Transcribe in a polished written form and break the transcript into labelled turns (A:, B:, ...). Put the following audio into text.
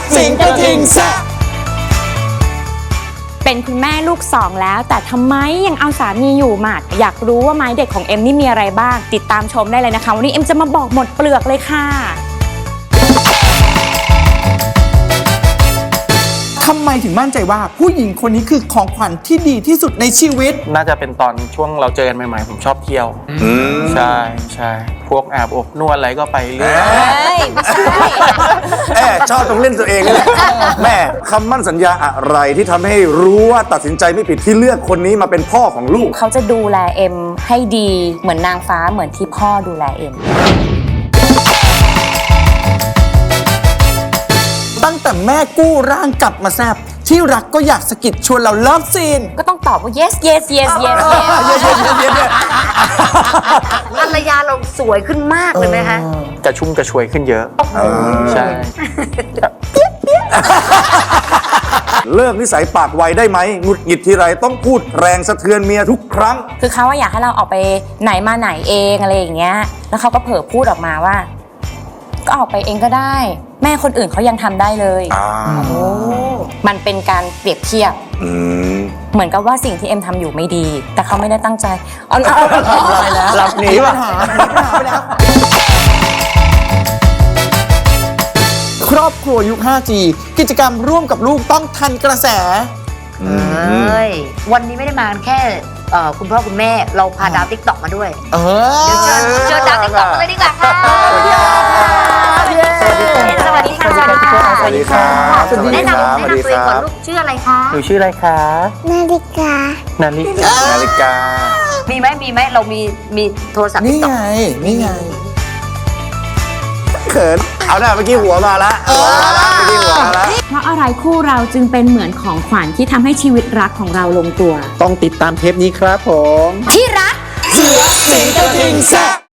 A: สิงกระทิงแซะ
B: เป็นคุณแม่ลูก2แล้วแต่ทำไมยังเอาสามีอยู่หมัดอยากรู้ว่าไม้เด็ดของเอ็มนี่มีอะไรบ้างติดตามชมได้เลยนะคะวันนี้เอ็มจะมาบอกหมดเปลือกเลยค่ะ
A: ทำไมถึงมั่นใจว่าผู้หญิงคนนี้คือของขวัญที่ดีที่สุดในชีวิต
C: น่าจะเป็นตอนช่วงเราเจอกันใหม่ๆผมชอบเที่ยวใช่ใช่พวกอาบอบนวดอะไรก็ไปเรื่อย
B: ไม่ใช่
D: ชอบตรงเล่นตัวเองนี่แหละแม่คำมั่นสัญญาอะไรที่ทำให้รู้ว่าตัดสินใจไม่ผิดที่เลือกคนนี้มาเป็นพ่อของลูก
B: เขาจะดูแลเอ็มให้ดีเหมือนนางฟ้าเหมือนที่พ่อดูแลเอ็ม
A: ตั้งแต่แม่กู้ร่างกลับมาแซบที่รักก็อยากสะกิดชวนเราเลิฟซีน
B: ก็ต้องตอบว่า yes yes yes yes
E: ภรรยาเราสวยขึ้นมากเลยไหมคะ
C: กระชุ่มกระชวยขึ้นเยอะใช่
D: เลิกนิสัยปากไวได้ไหมหงุดหงิดทีไรต้องพูดแรงสะเทือนเมียทุกครั้ง
B: คือเขาอยากให้เราออกไปไหนมาไหนเองอะไรอย่างเงี้ยแล้วเขาก็เผลอพูดออกมาว่าก็ออกไปเองก็ได้แม่คนอื่นเขายังทำได้เลยมันเป็นการเปรียบเทียบเหมือนกับว่าสิ่งที่เอ็มทำอยู่ไม่ดีแต่เขาไม่ได้ตั้งใจ
A: หลับหนีป่ะครอบครัวยุค 5G กิจกรรมร่วมกับลูกต้องทันกระแส
E: วันนี้ไม่ได้มาแค่คุณพ่อคุณแม่เราพาดาวติ๊กต็อกมาด้วยเดี๋ยวเชิญดาวติ๊กต็อกมาเลยดีกว่าค่ะสวัสดีค่ะสวัสดีค่ะ
D: สวัสดีค่ะ
E: แนะนำตัวเองก่อนลูกชื่ออะไรคะ
C: หนูชื่ออะไรคะ
F: นาฬิกา
C: นาฬิกา
E: มีไหมเรามีโทรศัพท์
A: นี่ไง
D: เขินเอาหน้าเมื่อกี้หัวมาละเมื่อกี้หัวมาละ
B: เพราะอะไรคู่เราจึงเป็นเหมือนของขวัญที่ทำให้ชีวิตรักของเราลงตัว
A: ต้องติดตามเทปนี้ครับผม
B: ที่รัก
A: เสือสิงกระทิงแซะ